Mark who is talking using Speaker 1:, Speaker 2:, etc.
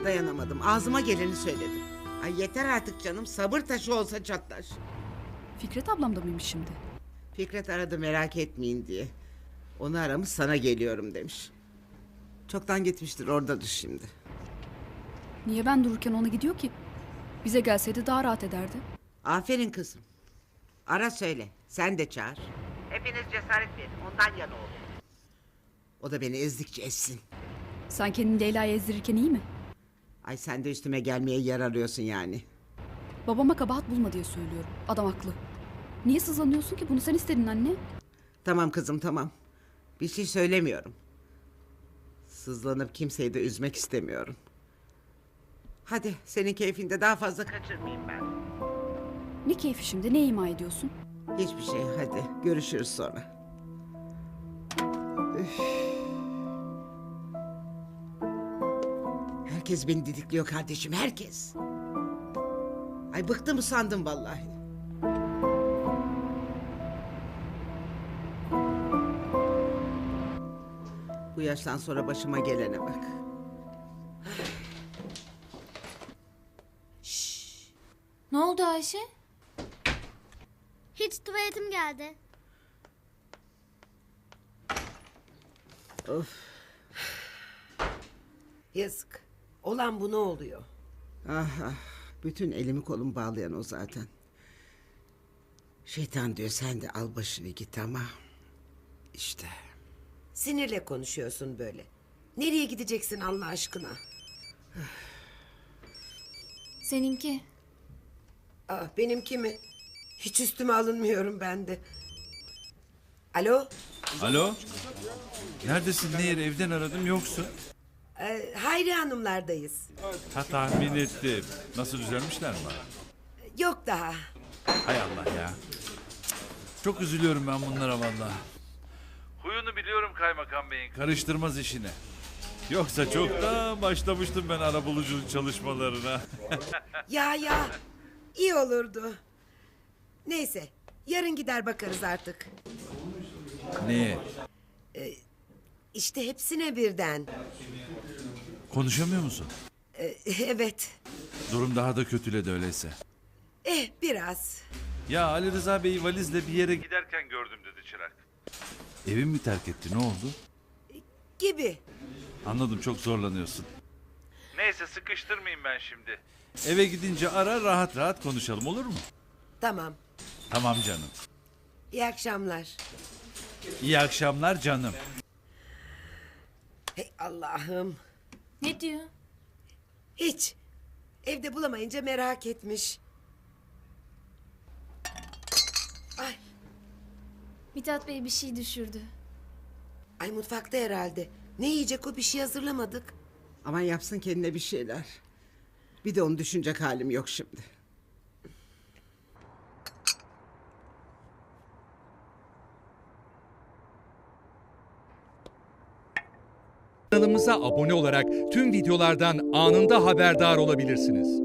Speaker 1: Dayanamadım. Ağzıma geleni söyledim. Ay yeter artık canım. Sabır taşı olsa çatlar.
Speaker 2: Fikret ablam da mıymış şimdi?
Speaker 1: Fikret aradı merak etmeyin diye. Onu aramış sana geliyorum demiş. Çoktan gitmiştir oradadır şimdi.
Speaker 2: Niye ben dururken ona gidiyor ki? Bize gelseydi daha rahat ederdi.
Speaker 1: Aferin kızım. Ara söyle. Sen de çağır. Hepiniz cesaret verin. Ondan yana olun. O da beni ezdikçe ezsin.
Speaker 2: Sen kendini Leyla'ya ezdirirken iyi mi?
Speaker 1: Ay sen de üstüme gelmeye yer arıyorsun yani.
Speaker 2: Babama kabahat bulma diye söylüyorum. Adam haklı. Niye sızlanıyorsun ki? Bunu sen istedin anne.
Speaker 1: Tamam kızım tamam. Bir şey söylemiyorum. Sızlanıp kimseyi de üzmek istemiyorum. Hadi senin keyfinde daha fazla kaçırmayayım ben.
Speaker 2: Ne keyfi şimdi? Ne ima ediyorsun?
Speaker 1: Hiçbir şey hadi görüşürüz sonra. Üf. Herkes beni didikliyor kardeşim herkes. Ay bıktım sandım vallahi. Bu yaştan sonra başıma gelene bak.
Speaker 3: Ne oldu Ayşe?
Speaker 4: Hiç tuvaletim geldi.
Speaker 1: Of.
Speaker 5: Yazık. Olan bu ne oluyor?
Speaker 1: Ah ah. Bütün elimi kolumu bağlayan o zaten. Şeytan diyor sen de al başını git ama. İşte.
Speaker 5: Sinirle konuşuyorsun böyle. Nereye gideceksin Allah aşkına?
Speaker 3: Seninki.
Speaker 5: Benimki mi? Hiç üstüme alınmıyorum ben de. Alo?
Speaker 6: Alo? Neredesin Nehir? Evden aradım yoksun.
Speaker 5: Hayri Hanımlardayız.
Speaker 6: Ha tahmin ettim. Nasıl düzelmişler mi?
Speaker 5: Yok daha.
Speaker 6: Hay Allah ya. Çok üzülüyorum ben bunlara vallahi. Huyunu biliyorum kaymakam beyin. Karıştırmaz işine. Yoksa çoktan başlamıştım ben arabuluculuk çalışmalarına.
Speaker 5: Ya iyi olurdu. Neyse yarın gider bakarız artık.
Speaker 6: Neye?
Speaker 5: İşte hepsine birden.
Speaker 6: Konuşamıyor musun?
Speaker 5: Evet.
Speaker 6: Durum daha da kötüledi öyleyse.
Speaker 5: Biraz.
Speaker 6: Ya Ali Rıza Bey'i valizle bir yere giderken gördüm dedi çırak. Evimi mi terk etti ne oldu?
Speaker 5: Gibi.
Speaker 6: Anladım çok zorlanıyorsun. Neyse sıkıştırmayayım ben şimdi. Eve gidince ara rahat rahat konuşalım olur mu?
Speaker 5: Tamam.
Speaker 6: Tamam canım.
Speaker 5: İyi akşamlar.
Speaker 6: İyi akşamlar canım.
Speaker 5: Hey Allah'ım.
Speaker 3: Ne diyor?
Speaker 5: Hiç. Evde bulamayınca merak etmiş. Ay,
Speaker 3: Mithat Bey bir şey düşürdü.
Speaker 5: ay mutfakta herhalde. Ne yiyecek o bir şey hazırlamadık.
Speaker 1: Aman yapsın kendine bir şeyler. Bir de onu düşünecek halim yok şimdi.
Speaker 7: Kanalımıza abone olarak tüm videolardan anında haberdar olabilirsiniz.